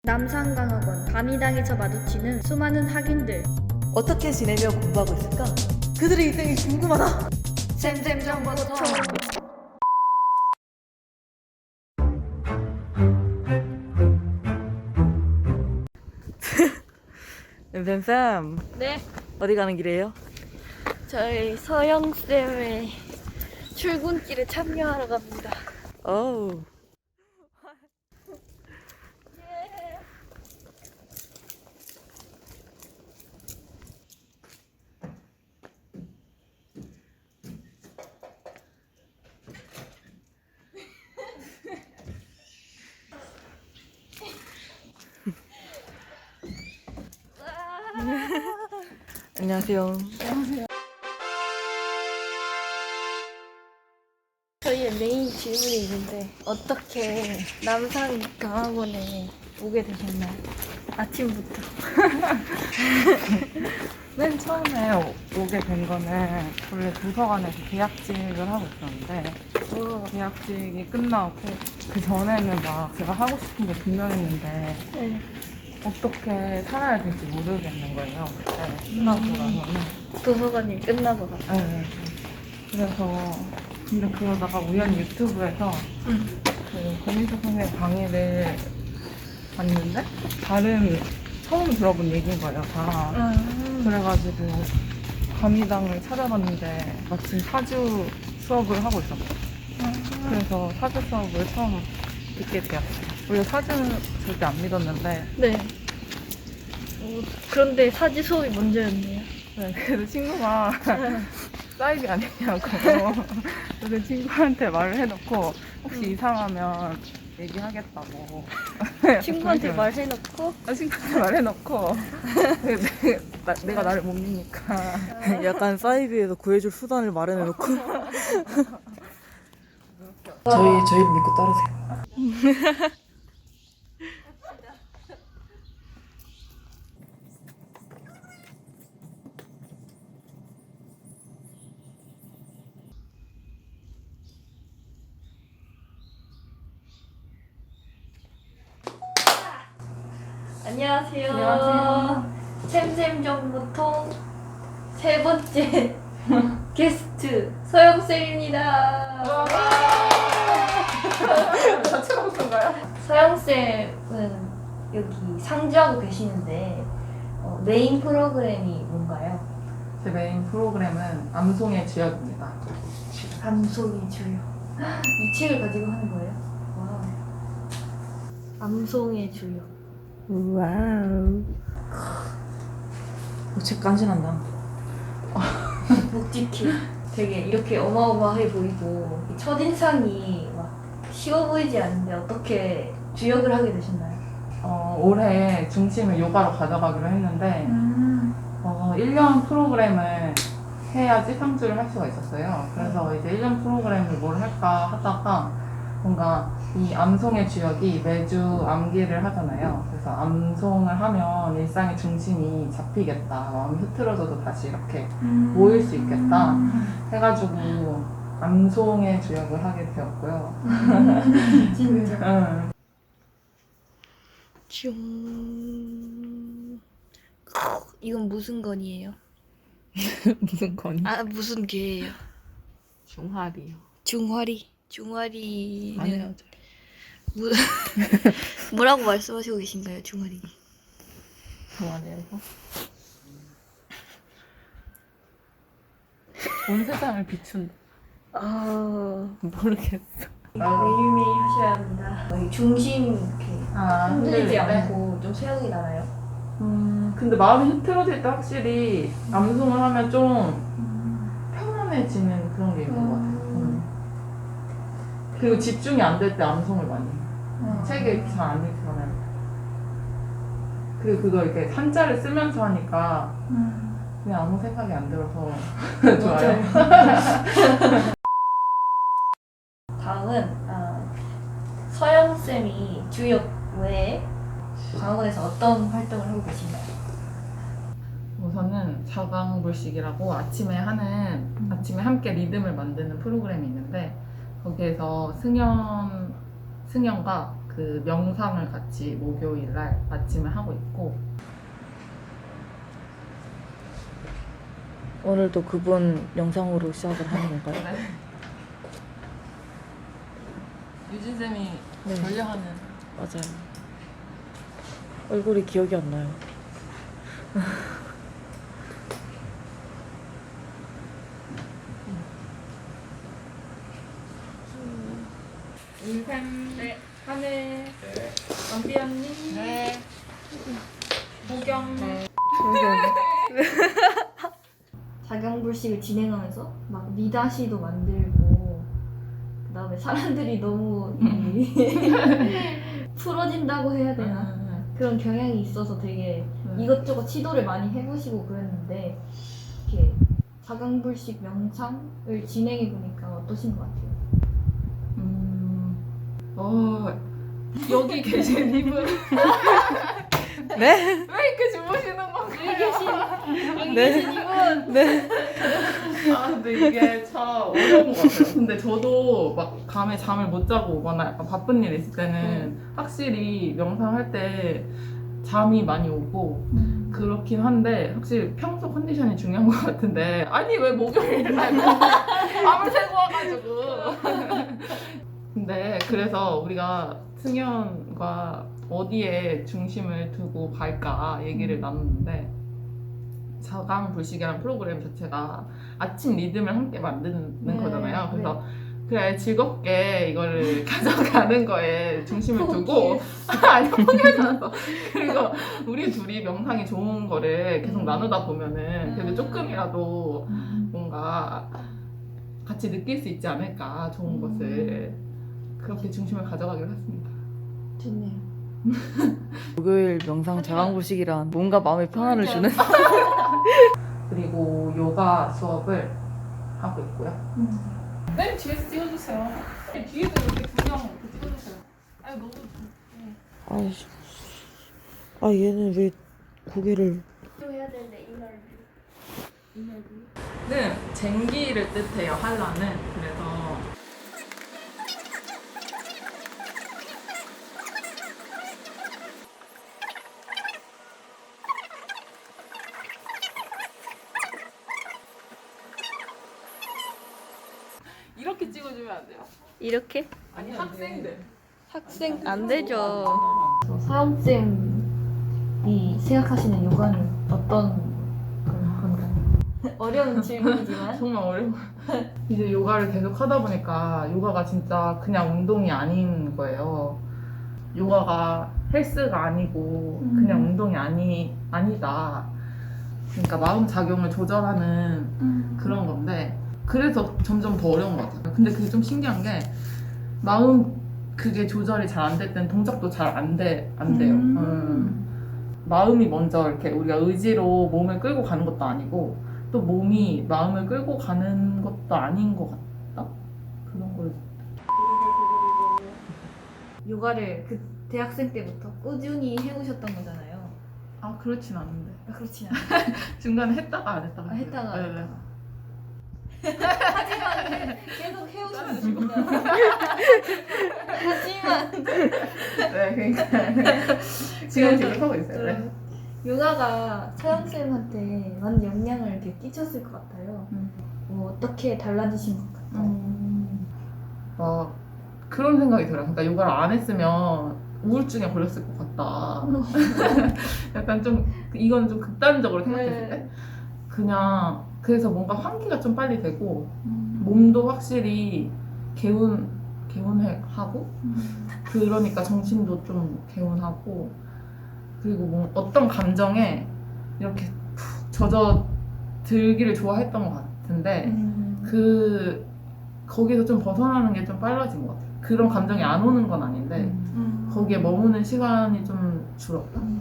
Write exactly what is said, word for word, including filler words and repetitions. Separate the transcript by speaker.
Speaker 1: 남산강학원 밤이당에서 마주치는 수많은 학인들.
Speaker 2: 어떻게 지내며 공부하고 있을까? 그들의 인생이 궁금하다.
Speaker 1: 쌤쌤 정보통.
Speaker 2: 쌤쌤
Speaker 1: 네,
Speaker 2: 어디 가는 길이에요?
Speaker 1: 저희 서영쌤의 출근길에 참여하러 갑니다.
Speaker 2: 어우 안녕하세요.
Speaker 1: 저희의 메인 질문이 있는데 어떻게 남산강학원에 오게 되셨나요? 아침부터.
Speaker 3: 맨 처음에 오- 오게 된 거는 원래 도서관에서 계약직을 하고 있었는데
Speaker 1: 어,
Speaker 3: 계약직이 끝나고 그 전에는 막 제가 하고 싶은 게 분명했는데
Speaker 1: 네.
Speaker 3: 어떻게 살아야 될지 모르겠는 거예요. 그때 끝나고 나서는.
Speaker 1: 도서관이 끝나고 갔어.
Speaker 3: 네, 네. 그래서 근데 그러다가 우연히 유튜브에서
Speaker 1: 응.
Speaker 3: 그 고민석 선생님 강의를 봤는데 다른 처음 들어본 얘기인 거예요, 다.
Speaker 1: 음.
Speaker 3: 그래가지고 감리당을 찾아봤는데 마침 사주 수업을 하고 있었어요. 그래서 사주 수업을 처음 듣게 되었어요. 원래 사주는 절대 안 믿었는데
Speaker 1: 네. 어, 그런데 사지 수업이 먼저였네요.
Speaker 3: 네, 그래서 친구가 사이비 아니냐고 그래서 친구한테 말을 해놓고 혹시
Speaker 1: 음.
Speaker 3: 이상하면 얘기하겠다고
Speaker 1: 친구한테
Speaker 3: 그래서
Speaker 1: 말해놓고
Speaker 3: 아, 친구한테 말해놓고 내, 나, 내가 나를 못 믿니까
Speaker 2: 약간 사이비에서 구해줄 수단을 마련해놓고 저희 저희를 믿고 따르세요.
Speaker 1: 안녕하세요.
Speaker 3: 안녕하세요.
Speaker 1: 샘샘 정보통 세 번째 게스트 서영쌤입니다.
Speaker 3: 같이 먹던가요?
Speaker 1: 서영쌤은 여기 상주하고 계시는데 어, 메인 프로그램이 뭔가요?
Speaker 3: 제 메인 프로그램은 암송의 주역입니다.
Speaker 1: 암송의 주역. 이 책을 가지고 하는 거예요? 와우. 암송의 주역.
Speaker 2: 와우. 책 간지난다.
Speaker 1: 묵직해. 되게 이렇게 어마어마해 보이고 이 첫인상이 막 쉬워 보이지 않는데 어떻게 주역을 하게 되셨나요?
Speaker 3: 어, 올해 중심을 요가로 가져가기로 했는데
Speaker 1: 음.
Speaker 3: 어, 일 년 프로그램을 해야지 상주를 할 수가 있었어요. 그래서 이제 일 년 프로그램을 뭘 할까 하다가 뭔가 이 암송의 주역이 매주 암기를 하잖아요. 그래서 암송을 하면 일상의 중심이 잡히겠다. 마음이 흐트러져도 다시 이렇게 모일 수 있겠다. 해가지고 암송의 주역을 하게 되었고요.
Speaker 1: 진짜.
Speaker 3: 응.
Speaker 1: 슝. 이건 무슨 건이에요?
Speaker 2: 무슨 건이?
Speaker 1: 아 무슨 개예요?
Speaker 2: 중화리요.
Speaker 1: 중화리. 중화리는
Speaker 2: 아니요.
Speaker 1: 무... 뭐라고 말씀하시고 계신가요, 중화리?
Speaker 2: 그만해요.
Speaker 3: 온 세상을 비춘다.
Speaker 1: 아
Speaker 2: 모르겠어.
Speaker 1: 매일매일 하셔야 한다. 어, 이 중심 이렇게
Speaker 3: 아,
Speaker 1: 흔들리지
Speaker 3: 흔들릴 때?
Speaker 1: 않고 좀 세우기 나나요?
Speaker 3: 음, 근데 마음이 흐트러질 때 확실히 암송을 하면 좀 편안해지는 그런 게 있는 것 같아요. 음. 그리고 집중이 안 될 때 암송을 많이 해요. 책을 잘 안 읽으면. 그리고 그거 이렇게 한자를 쓰면서 하니까 그냥 아무 생각이 안 들어서 좋아요.
Speaker 1: 다음은 아, 서영 쌤이 주역 외에 강원에서 어떤 활동을 하고 계신가요?
Speaker 3: 우선은 사강불식이라고 아침에 하는 아침에 함께 리듬을 만드는 프로그램이 있는데 거기에서 승연 승연과 그 그 명상을 같이 목요일 날 아침에 하고 있고.
Speaker 2: 오늘도 그분 영상으로 시작을 하는 건가요?
Speaker 3: 네. 유진 쌤이
Speaker 2: 네.
Speaker 3: 전려하는.
Speaker 2: 맞아요. 얼굴이 기억이 안 나요.
Speaker 3: 인생.
Speaker 1: 네. 하늘.
Speaker 3: 원비 언니. 네. 보경.
Speaker 1: 네. 자경불식을 진행하면서 막 미다시도 만들고 그다음에 사람들이 너무 이 풀어진다고 해야 되나 그런 경향이 있어서 되게
Speaker 3: 음.
Speaker 1: 이것저것 시도를 많이 해보시고 그랬는데 이렇게 자경불식 명상을 진행해 보니까 어떠신 것 같아요?
Speaker 3: 음. 어. 여기 계신 이분.
Speaker 2: 네?
Speaker 3: 왜 이렇게 주무시는 건가요?
Speaker 1: 여기 계신 여기
Speaker 2: 네.
Speaker 1: 계신 이분
Speaker 2: 네.
Speaker 3: 아 근데 이게 참 어려운 것 같아요. 근데 저도 막 밤에 잠을 못 자고 오거나 약간 바쁜 일 있을 때는 확실히 명상할 때 잠이 많이 오고 그렇긴 한데 확실히 평소 컨디션이 중요한 것 같은데 아니 왜 목요일 날 밤을 새고 와가지고 근데 그래서 우리가 승연과 어디에 중심을 두고 갈까 얘기를 나눴는데 자강불식이라는 프로그램 자체가 아침 리듬을 함께 만드는
Speaker 1: 네,
Speaker 3: 거잖아요. 그래서 그래 즐겁게 이거를 가져가는 거에 중심을 두고 아니 포기하지 않았어. 그리고 우리 둘이 명상이 좋은 거를 계속
Speaker 1: 음.
Speaker 3: 나누다 보면은 그래도
Speaker 1: 음.
Speaker 3: 조금이라도 뭔가 같이 느낄 수 있지 않을까 좋은
Speaker 1: 음.
Speaker 3: 것을 그렇게 중심을 가져가기로 했습니다.
Speaker 1: 좋네요.
Speaker 2: 목요일 명상 자강불식이란 뭔가 마음에 평안을 주는
Speaker 3: 그리고 요가 수업을 하고 있고요. 네, 뒤에서 찍어주세요. 뒤에도 이렇게 분명 이렇게 찍어주세요. 아니 너무
Speaker 2: 아이씨. 아 얘는 왜 고개를
Speaker 1: 또 해야 되는데 이널 이널
Speaker 3: 는 쟁기를 뜻해요. 한라는 그래서 이렇게 찍어주면 안 돼요.
Speaker 1: 이렇게?
Speaker 3: 아니 학생들.
Speaker 1: 학생 안 되죠. 사영쌤이 생각하시는 요가는 어떤 그런 건가요? 어려운 질문이지만
Speaker 3: 정말 어려워. 이제 요가를 계속 하다 보니까 요가가 진짜 그냥 운동이 아닌 거예요. 요가가 헬스가 아니고
Speaker 1: 음.
Speaker 3: 그냥 운동이 아니 아니다. 그러니까 마음 작용을 조절하는 그런 건데 그래서 점점 더 어려운 것 같아요. 근데 그게 좀 신기한 게 마음 그게 조절이 잘 안 될 때는 동작도 잘 안 돼, 안 돼요.
Speaker 1: 음.
Speaker 3: 음. 마음이 먼저 이렇게 우리가 의지로 몸을 끌고 가는 것도 아니고 또 몸이 마음을 끌고 가는 것도 아닌 것 같다? 그런 걸.
Speaker 1: 요가를 그 대학생 때부터 꾸준히 해오셨던 거잖아요.
Speaker 3: 아 그렇진 않은데
Speaker 1: 아, 그렇지 않아요.
Speaker 3: 중간에 했다가 안 했다가
Speaker 1: 아, 했다가 안
Speaker 3: 네, 네.
Speaker 1: 했다가. 하지만 해- 계속 해오시는 중이다. 하지만
Speaker 3: 네 그러니까 지금 지금 하고 있어요. 네.
Speaker 1: 요가가 서영쌤한테 많은 영향을 이렇게 끼쳤을 것 같아요.
Speaker 3: 음.
Speaker 1: 뭐 어떻게 달라지신 것 같아요?
Speaker 3: 음. 막 그런 생각이 들어요. 그러니까 요가를 안 했으면 우울증에 걸렸을 것 같다. 약간 좀 이건 좀 극단적으로 생각했을 때 그냥 그래서 뭔가 환기가 좀 빨리 되고 몸도 확실히 개운 개운하고 그러니까 정신도 좀 개운하고 그리고 뭐 어떤 감정에 이렇게 푹 젖어 들기를 좋아했던 것 같은데
Speaker 1: 음.
Speaker 3: 그 거기서 좀 벗어나는 게 좀 빨라진 것 같아요. 그런 감정이 안 오는 건 아닌데
Speaker 1: 음.
Speaker 3: 거기에 머무는 시간이 좀 줄었다.
Speaker 1: 음.